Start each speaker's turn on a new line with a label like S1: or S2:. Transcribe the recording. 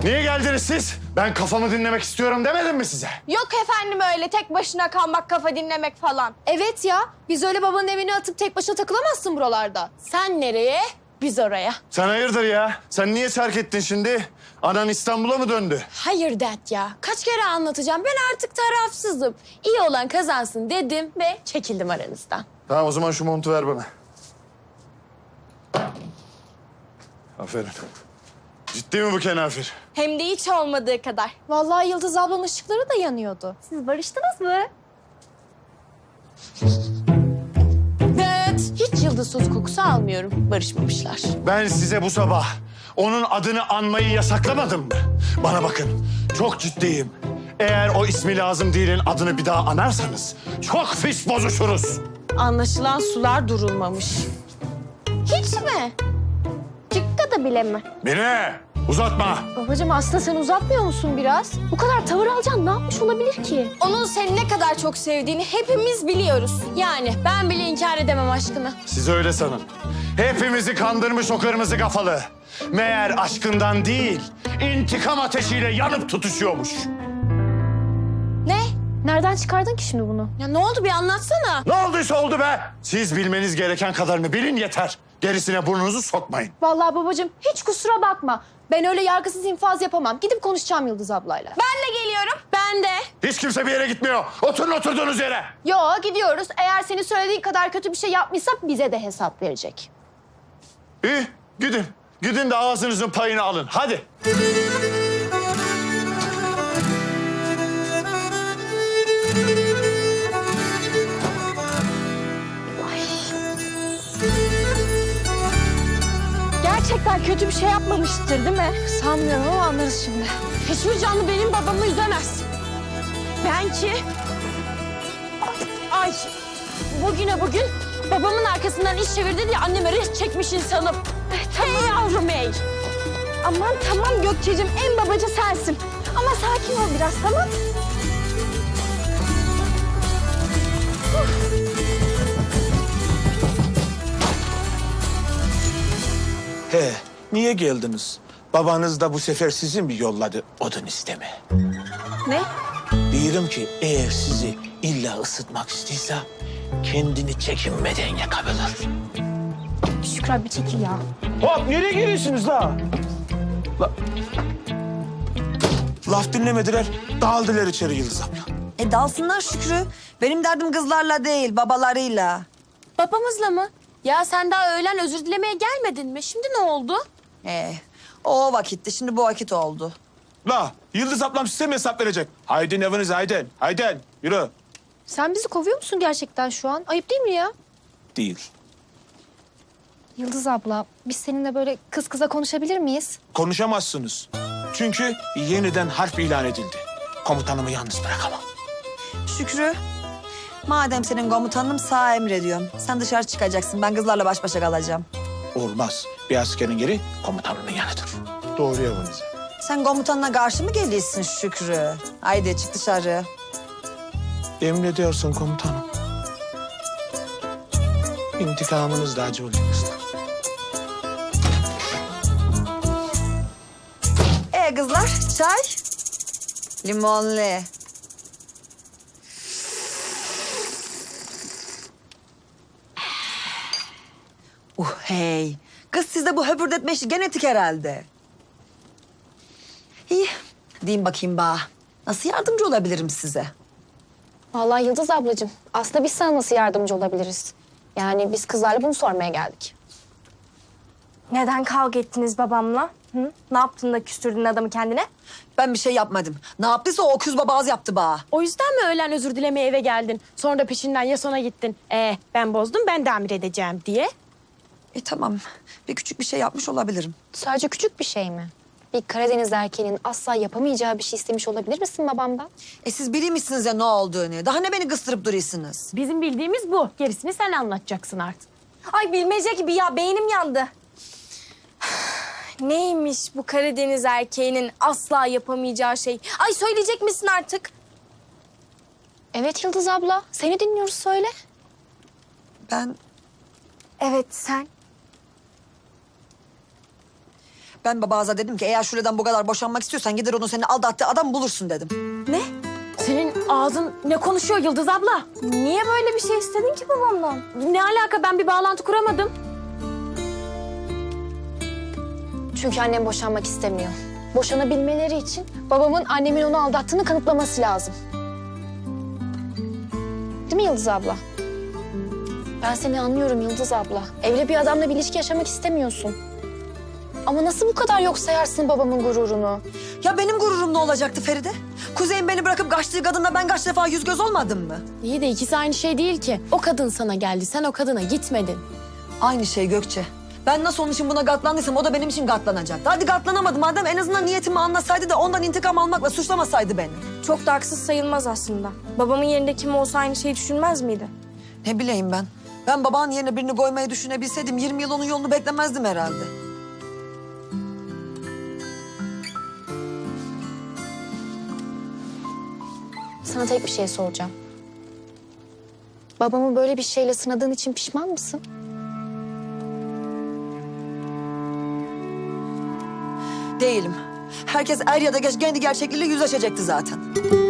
S1: Niye geldiniz siz? Ben kafamı dinlemek istiyorum demedim mi size?
S2: Yok efendim öyle tek başına kalmak, kafa dinlemek falan.
S3: Evet ya, biz öyle babanın evine atıp tek başına takılamazsın buralarda.
S2: Sen nereye? Biz oraya.
S1: Sen hayırdır ya? Sen niye terk ettin şimdi? Anan İstanbul'a mı döndü?
S2: Hayır dert ya. Kaç kere anlatacağım. Ben artık tarafsızım. İyi olan kazansın dedim ve çekildim aranızdan.
S1: Tamam o zaman şu montu ver bana. Aferin. Ciddi mi bu kenafir?
S2: Hem de hiç olmadığı kadar.
S3: Vallahi Yıldız ablanın ışıkları da yanıyordu. Siz barıştınız mı?
S2: Evet. Hiç yıldız tozu kokusu almıyorum. Barışmamışlar.
S1: Ben size bu sabah onun adını anmayı yasaklamadım mı? Bana bakın, çok ciddiyim. Eğer o ismi lazım değilin adını bir daha anarsanız çok pis bozuşuruz.
S2: Anlaşılan sular durulmamış. Hiç mi? Çıkka da bile mi?
S1: Mine, uzatma.
S3: Babacığım aslında sen uzatmıyor musun biraz? Bu kadar tavır alacaksın ne yapmış olabilir ki?
S2: Onun seni ne kadar çok sevdiğini hepimiz biliyoruz. Yani ben bile inkar edemem aşkını.
S1: Siz öyle sanın. Hepimizi kandırmış o kırmızı kafalı. Meğer aşkından değil, intikam ateşiyle yanıp tutuşuyormuş.
S2: Ne?
S3: Nereden çıkardın ki şimdi bunu?
S2: Ya ne oldu bir anlatsana.
S1: Ne olduysa oldu be. Siz bilmeniz gereken kadarını bilin yeter. Gerisine burnunuzu sokmayın.
S3: Vallahi babacığım hiç kusura bakma. Ben öyle yargısız infaz yapamam. Gidip konuşacağım Yıldız ablayla.
S2: Ben de geliyorum. Ben de.
S1: Hiç kimse bir yere gitmiyor. Oturun oturduğunuz yere.
S3: Yo gidiyoruz. Eğer senin söylediğin kadar kötü bir şey yapmışsak bize de hesap verecek.
S1: İyi, gidin. Gidin de ağzınızın payını alın. Hadi.
S3: Gerçekten kötü bir şey yapmamıştır değil mi? Sanmıyorum ama anlarız şimdi.
S2: Hiçbir canlı benim babamı üzemez. Ben ki... Ay, bugüne bugün babamın arkasından iş çevirdi diye anneme res çekmiş insanım. Hey yavrum hey.
S3: Aman tamam Gökçe'cim en babacı sensin. Ama sakin ol biraz tamam.
S4: He, niye geldiniz? Babanız da bu sefer sizi mi yolladı odun isteme?
S3: Ne?
S4: Diyorum ki eğer sizi illa ısıtmak istiyorsa kendini çekinmeden yakabilir.
S3: Şükrü abi çekil ya.
S4: Hop nereye giriyorsunuz la? Laf dinlemediler, dağıldılar içeri Yıldız abla.
S5: Dalsınlar Şükrü. Benim derdim kızlarla değil, babalarıyla.
S2: Babamızla mı? Ya sen daha öğlen özür dilemeye gelmedin mi? Şimdi ne oldu?
S5: O vakitti, şimdi bu vakit oldu.
S4: La, Yıldız ablam size mi hesap verecek? Haydin eviniz haydin, haydin yürü.
S3: Sen bizi kovuyor musun gerçekten şu an? Ayıp değil mi ya?
S4: Değil.
S3: Yıldız abla biz seninle böyle kız kıza konuşabilir miyiz?
S4: Konuşamazsınız. Çünkü yeniden harp ilan edildi. Komutanımı yalnız bırakamam.
S5: Şükrü, madem senin komutanım sağ emrediyorum. Sen dışarı çıkacaksın, ben kızlarla baş başa kalacağım.
S4: Olmaz. Bir askerin yeri komutanının yanıdır.
S1: Doğru yapınız.
S5: Sen komutanına karşı mı geliyorsun Şükrü? Haydi çık dışarı.
S4: Emrediyorsun komutanım. İntikamınız da acı olacak kızlar.
S5: Kızlar, çay? Limonlu. Hey. Kız sizde bu höpürdetme işi genetik herhalde. İyi. Diyeyim bakayım bana. Nasıl yardımcı olabilirim size?
S3: Vallahi Yıldız ablacığım aslında biz sana nasıl yardımcı olabiliriz? Yani biz kızlarla bunu sormaya geldik.
S6: Neden kavga ettiniz babamla? Hı? Ne yaptın da küstürdün adamı kendine?
S5: Ben bir şey yapmadım. Ne yaptıysa o öküz babaz yaptı bana.
S2: O yüzden mi öğlen özür dilemeye eve geldin? Sonra da peşinden ya sona gittin. Ben bozdum ben tamir edeceğim diye.
S5: Tamam. Bir küçük bir şey yapmış olabilirim.
S3: Sadece küçük bir şey mi? Bir Karadeniz erkeğinin asla yapamayacağı bir şey istemiş olabilir misin babamdan?
S5: Siz bilmişsiniz ya ne olduğunu. Daha ne beni kıstırıp duruyorsunuz?
S2: Bizim bildiğimiz bu. Gerisini sen anlatacaksın artık.
S6: Ay bilmece gibi ya beynim yandı. Neymiş bu Karadeniz erkeğinin asla yapamayacağı şey? Ay söyleyecek misin artık?
S3: Evet Yıldız abla seni dinliyoruz söyle.
S5: Ben
S6: Evet sen.
S5: Ben babaza dedim ki eğer Şule'den bu kadar boşanmak istiyorsan gider onun seni aldattığı adam bulursun dedim.
S2: Ne? Senin ağzın ne konuşuyor Yıldız abla?
S6: Niye böyle bir şey istedin ki babamdan?
S2: Ne alaka, ben bir bağlantı kuramadım.
S3: Çünkü annem boşanmak istemiyor. Boşanabilmeleri için babamın annemin onu aldattığını kanıtlaması lazım. Değil mi Yıldız abla? Ben seni anlıyorum Yıldız abla. Evli bir adamla bir ilişki yaşamak istemiyorsun. Ama nasıl bu kadar yok sayarsın babamın gururunu?
S5: Ya benim gururum ne olacaktı Feride? Kuzey'in beni bırakıp kaçtığı kadınla ben kaç defa yüz göz olmadım mı?
S2: İyi de ikisi aynı şey değil ki. O kadın sana geldi, sen o kadına gitmedin.
S5: Aynı şey Gökçe. Ben nasıl onun için buna katlandıysam o da benim için katlanacaktı. Hadi katlanamadım madem, en azından niyetimi anlasaydı da ondan intikam almakla suçlamasaydı beni.
S6: Çok da haksız sayılmaz aslında. Babamın yerinde kim olsa aynı şeyi düşünmez miydi?
S5: Ne bileyim ben. Ben babanın yerine birini koymayı düşünebilseydim 20 yıl onun yolunu beklemezdim herhalde.
S3: Sana tek bir şey soracağım. Babamı böyle bir şeyle sınadığın için pişman mısın?
S5: Değilim. Herkes er ya da geç kendi gerçekliğiyle yüzleşecekti zaten.